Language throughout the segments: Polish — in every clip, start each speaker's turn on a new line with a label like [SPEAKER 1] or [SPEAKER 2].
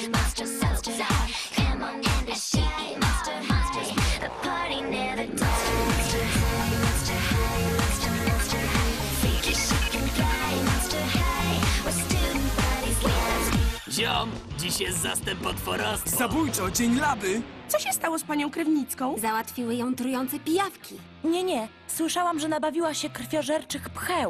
[SPEAKER 1] Ziom, dziś jest zastęp potworostwa.
[SPEAKER 2] Zabójczo, dzień laby!
[SPEAKER 3] Co się stało z panią Krewnicką?
[SPEAKER 4] Załatwiły ją trujące pijawki.
[SPEAKER 5] Nie. Słyszałam, że nabawiła się krwiożerczych pcheł.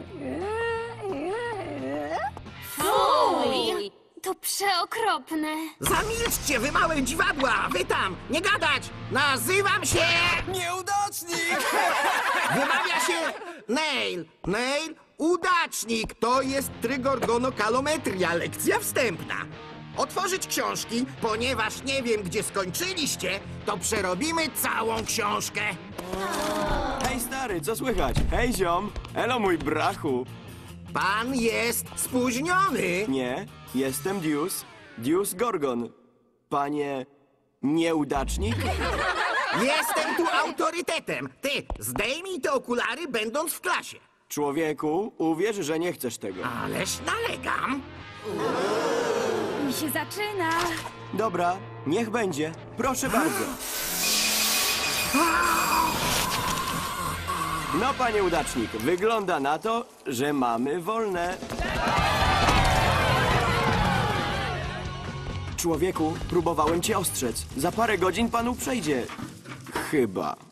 [SPEAKER 4] Fuj! To przeokropne.
[SPEAKER 6] Zamilczcie, wy małe dziwadła! Wy tam! Nie gadać! Nazywam się...
[SPEAKER 2] Nieudacznik!
[SPEAKER 6] Wymawia się Nail. Nail, udacznik. To jest trygorgonokalometria, lekcja wstępna. Otworzyć książki, ponieważ nie wiem, gdzie skończyliście, to przerobimy całą książkę.
[SPEAKER 7] Hej stary, co słychać? Hej ziom! Elo mój brachu!
[SPEAKER 6] Pan jest spóźniony.
[SPEAKER 7] Nie, jestem Deuce Gorgon. Panie... nieudacznik?
[SPEAKER 6] Jestem tu autorytetem. Ty, zdejmij te okulary, będąc w klasie.
[SPEAKER 7] Człowieku, uwierz, że nie chcesz tego.
[SPEAKER 6] Ależ nalegam.
[SPEAKER 4] Mi się zaczyna.
[SPEAKER 7] Dobra, niech będzie. Proszę bardzo. No, panie udacznik, wygląda na to, że mamy wolne. Człowieku, próbowałem cię ostrzec. Za parę godzin panu przejdzie. Chyba.